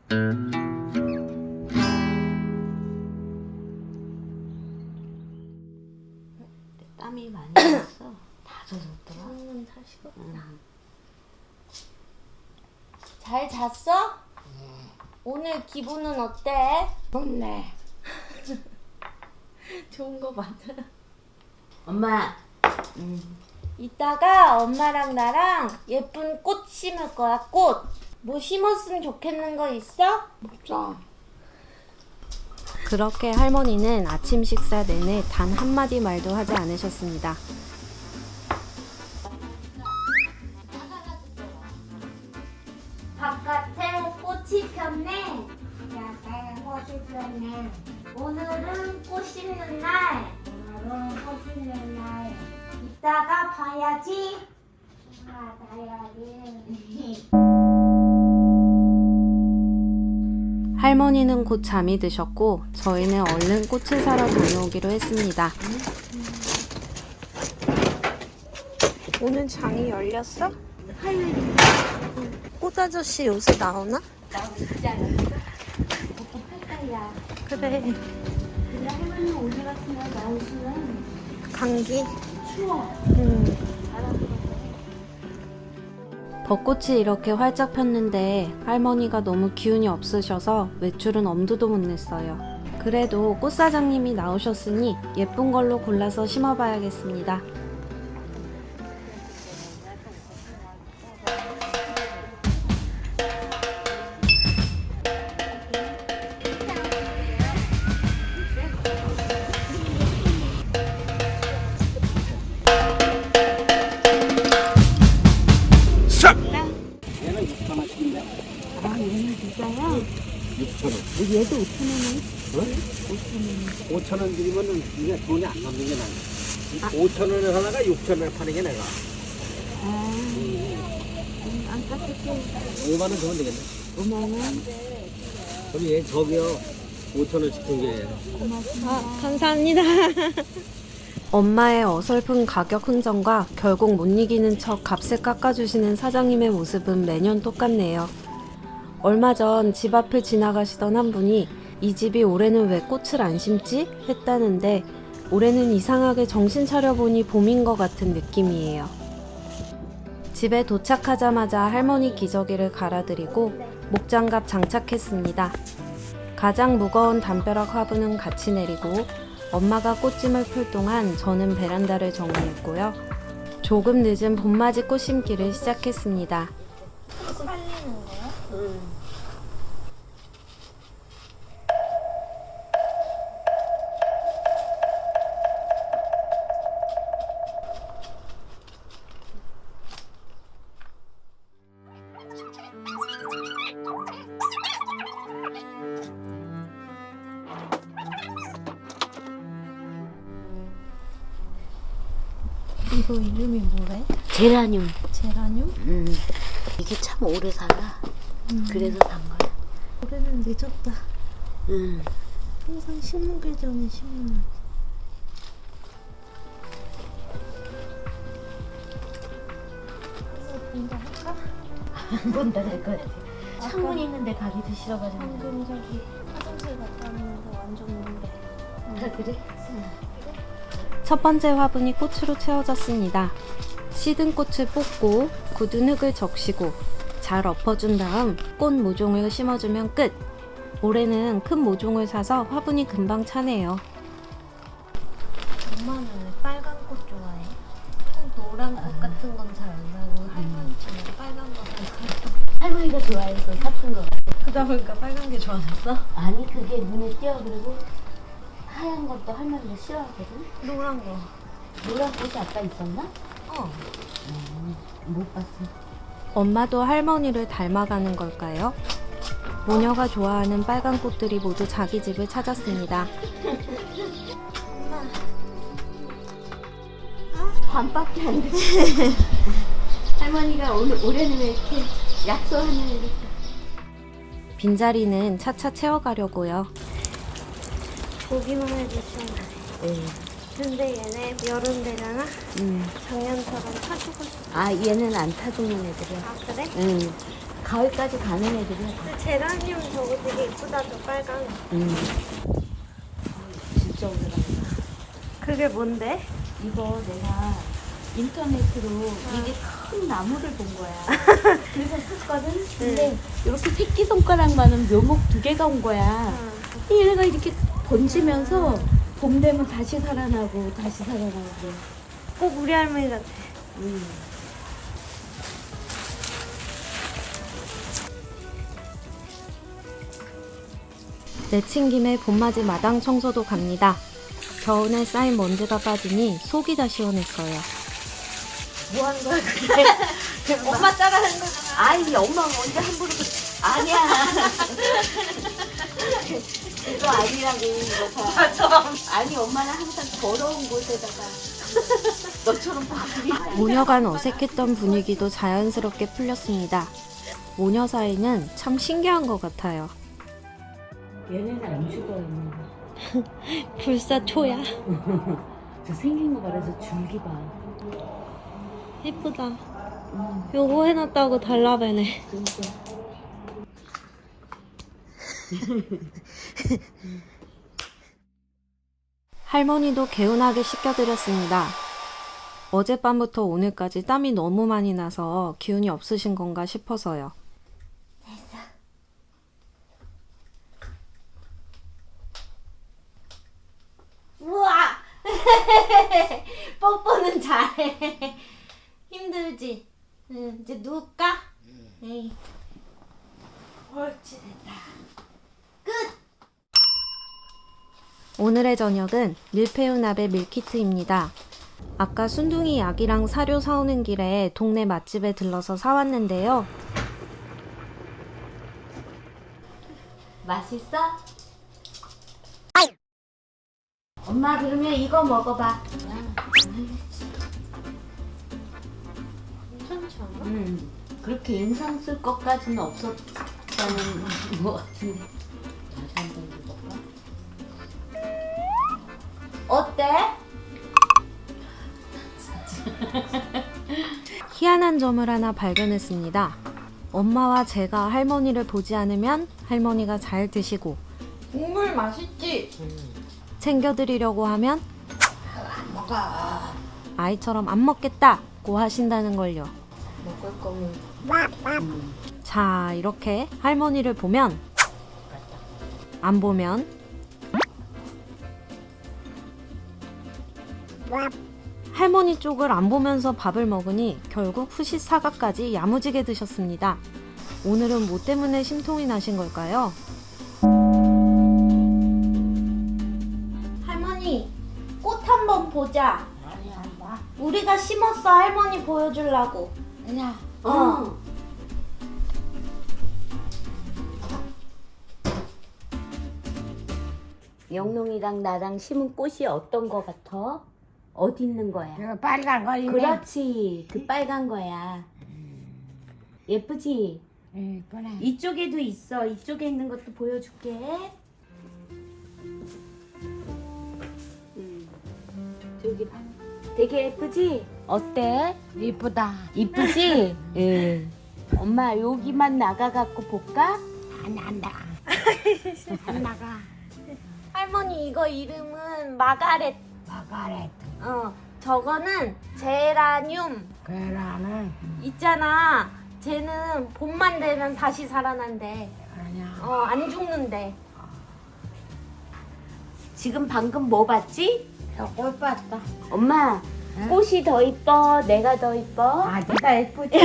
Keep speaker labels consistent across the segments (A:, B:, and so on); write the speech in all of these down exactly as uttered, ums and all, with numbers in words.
A: 땀이 많이 났어. 다 젖었더라.
B: 음, 다 식었다.
A: 응.
B: 잘 잤어?
A: 예.
B: 오늘 기분은 어때?
A: 좋네.
B: 좋은 거 맞아.
A: 엄마.
B: 음. 이따가 엄마랑 나랑 예쁜 꽃 심을 거야. 꽃. 뭐 심었으면 좋겠는 거 있어?
A: 없어.
C: 그렇게 할머니는 아침 식사 내내 단 한마디 말도 하지 않으셨습니다.
B: 바깥에 꽃이 폈네. 야간에 꽃이 폈네. 오늘은 꽃 심는 날. 오늘은 꽃 심는 날. 이따가 봐야지. 아, 봐야지.
C: 할머니는 곧 잠이 드셨고 저희는 얼른 꽃을 사러 다녀오기로 했습니다. 오늘 장이 열렸어? 할머니. 꽃 아저씨 요새 나오나?
B: 나오잖아. 오빠 팔다야.
C: 그래.
B: 근데 할머니 오늘 같은 날 나오시면
C: 감기.
B: 추워.
C: 음. 벚꽃이 이렇게 활짝 폈는데 할머니가 너무 기운이 없으셔서 외출은 엄두도 못 냈어요. 그래도 꽃사장님이 나오셨으니 예쁜 걸로 골라서 심어봐야겠습니다.
A: 얘도 오천 원에? 어? 오천 원 드리면은 이게 돈이 안 남는 게 나아. 오천 원에 하나가 육천 원에 파는 게 내가.
B: 아, 음, 안 깎을게.
A: 오만 원 주면 되겠네.
B: 오만 원.
A: 그럼 얘 저기요 오천 원씩 준 게.
C: 아, 감사합니다. 엄마의 어설픈 가격 흥정과 결국 못 이기는 척 값을 깎아주시는 사장님의 모습은 매년 똑같네요. 얼마 전 집 앞을 지나가시던 한 분이 이 집이 올해는 왜 꽃을 안 심지? 했다는데 올해는 이상하게 정신 차려보니 봄인 것 같은 느낌이에요. 집에 도착하자마자 할머니 기저귀를 갈아드리고 목장갑 장착했습니다. 가장 무거운 담벼락 화분은 같이 내리고 엄마가 꽃짐을 풀 동안 저는 베란다를 정리했고요. 조금 늦은 봄맞이 꽃 심기를 시작했습니다.
B: 살리는 거야?
A: 응.
C: 이거 이름이 뭐래?
A: 제라늄.
C: 제라늄?
A: 음. 이게 참 오래 살아.
C: 음.
A: 그래서 산 거야.
C: 올해는 늦었다.
A: 응.
C: 항상 심는 전에 심는. 본다 할까?
A: 안 본다 될 것 같아. 창문 있는데 가기도 싫어가지고.
C: 방금 저기 화장실 갔다 왔는데 완전 뭔데.
A: 아, 그래?
C: 첫 번째 화분이 꽃으로 채워졌습니다. 시든 꽃을 뽑고 굳은 흙을 적시고 잘 엎어준 다음 꽃 모종을 심어주면 끝! 올해는 큰 모종을 사서 화분이 금방 차네요. 엄마는 왜 빨간 꽃 좋아해? 노란 꽃 같은 건 잘 안 사고 할머니처럼 빨간 거 사고.
A: 할머니가 좋아해서 샀던 거.
C: 그러다 보니까 빨간 게 좋아졌어?
A: 아니 그게 눈에 띄어. 그리고 하얀 것도 할머니가 싫어하거든.
C: 노란 거.
A: 노란 꽃이 아까 있었나?
C: 어.
A: 음, 못 봤어.
C: 엄마도 할머니를 닮아가는 걸까요? 모녀가 좋아하는 빨간 꽃들이 모두 자기 집을 찾았습니다.
A: 반밖에 안 돼. 할머니가 오늘 올해는 왜 이렇게 약속하는 이렇게.
C: 빈자리는 차차 채워가려고요.
B: 보기만 해도 시원하네.
A: 네.
B: 근데 얘네 여름 되잖아?
A: 음.
B: 작년처럼 타주고 싶어.
A: 아 얘는 안 타주는 애들이야.
B: 아, 그래?
A: 응.
D: 가을까지 가는 애들이야. 다.
B: 제라늄 저거 되게 이쁘다, 저 빨간.
D: 음. 진짜 오래 간다.
B: 그게 뭔데?
D: 이거 내가 인터넷으로 이게 큰 나무를 본 거야. 그래서 샀거든. 근데 이렇게 새끼 손가락만한 묘목 두 개가 온 거야. 얘가 이렇게 번지면서 봄 되면 다시 살아나고 다시 살아나고 그래.
B: 꼭 우리 할머니 같아.
D: 음.
C: 내친 김에 봄맞이 마당 청소도 갑니다. 겨우내 쌓인 먼지가 빠지니 속이 다 시원했어요.
D: 뭐 하는 거야 그게?
B: 엄마 따라하는 거잖아.
D: 아이 엄마가 언제 함부로 그래. 아니야. 이거 아니라고 이거 봐.
B: 맞아.
D: 아니 엄마는 항상 더러운 곳에다가 너처럼 바꾸리.
C: 모녀간 어색했던 분위기도 자연스럽게 풀렸습니다. 모녀 사이는 참 신기한 것 같아요.
D: 얘네는 안 죽어요.
C: 불사초야.
D: 저 생긴 거 말해서 줄기 봐.
C: 예쁘다.
D: 음,
C: 요거 해놨다고 달라배네.
D: 진짜.
C: 할머니도 개운하게 씻겨드렸습니다. 어젯밤부터 오늘까지 땀이 너무 많이 나서 기운이 없으신 건가 싶어서요.
B: 우와! 뽀뽀는 잘해. 힘들지? 응, 이제 누울까? 에이. 옳지, 됐다. 끝!
C: 오늘의 저녁은 밀푀유나베 밀키트입니다. 아까 순둥이 약이랑 사료 사오는 길에 동네 맛집에 들러서 사왔는데요.
B: 맛있어? 엄마 그러면 이거 먹어봐. 괜찮지 않아?
D: 음, 그렇게 인상 쓸 것까지는 없었다는 것 같은데. 다시 한번 해볼까?
B: 어때?
C: 희한한 점을 하나 발견했습니다. 엄마와 제가 할머니를 보지 않으면 할머니가 잘 드시고
B: 국물 맛있지?
C: 챙겨드리려고 하면 아이처럼 안 먹겠다고 하신다는 걸요.
D: 먹을 거면
C: 자, 이렇게 할머니를 보면 안 보면 할머니 쪽을 안 보면서 밥을 먹으니 결국 후시 사과까지 야무지게 드셨습니다. 오늘은 뭐 때문에 심통이 나신 걸까요?
B: 할머니, 꽃 한번 보자.
D: 아니 안 봐.
B: 우리가 심었어, 할머니 보여주려고.
D: 야,
B: 어.
D: 영롱이랑 나랑 심은 꽃이 어떤 거 같아? 어디 있는 거야?
E: 이거 빨간 거 있네.
D: 그렇지, 그 빨간 거야. 예쁘지?
E: 응, 그래.
D: 이쪽에도 있어. 이쪽에 있는 것도 보여줄게. 음, 저기 봐. 되게 예쁘지? 어때?
E: 이쁘다.
D: 이쁘지? 응. 엄마 여기만 나가갖고 볼까?
E: 안 난다. 안 나가.
B: 할머니 이거 이름은 마가렛.
E: 마가렛.
B: 어, 저거는 제라늄.
E: 그라는
B: 있잖아. 쟤는 봄만 되면 다시 살아난대.
E: 아니야.
B: 어, 안 죽는데.
D: 지금 방금 뭐 봤지?
E: 저꽃 봤다.
D: 엄마,
E: 응?
D: 꽃이 더 이뻐? 내가 더 이뻐?
E: 아, 내가 예쁘지.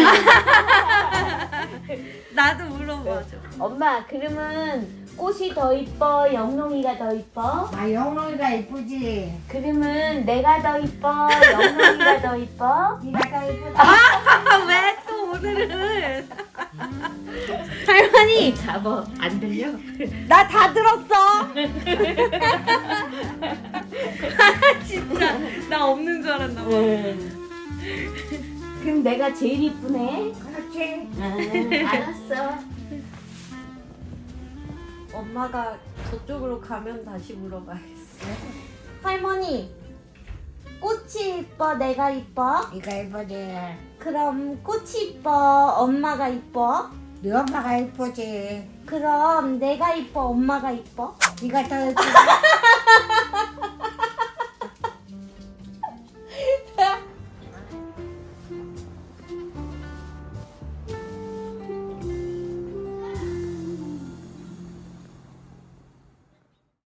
B: 나도 물어봐줘.
D: 엄마, 그러면 꽃이 더 이뻐? 영롱이가 더 이뻐?
E: 아, 영롱이가 예쁘지.
D: 그러면 내가 더 이뻐? 영롱이가 더 이뻐?
E: 네가 더 예쁘다.
B: 왜 또 오늘은? 할머니,
D: 잡어. 안 들려?
B: 나 다 들었어. 진짜 나 없는 줄 알았나 봐.
D: 그럼 내가 제일 이쁘네?
E: 그렇지.
D: 응, 알았어.
C: 엄마가 저쪽으로 가면 다시 물어봐야겠어.
B: 할머니, 꽃이 이뻐, 내가 이뻐?
E: 네가 예쁘지.
B: 그럼 꽃이 이뻐, 엄마가 이뻐?
E: 네 엄마가 이쁘지.
B: 그럼 내가 이뻐, 엄마가 이뻐?
E: 네가 더 이쁘지.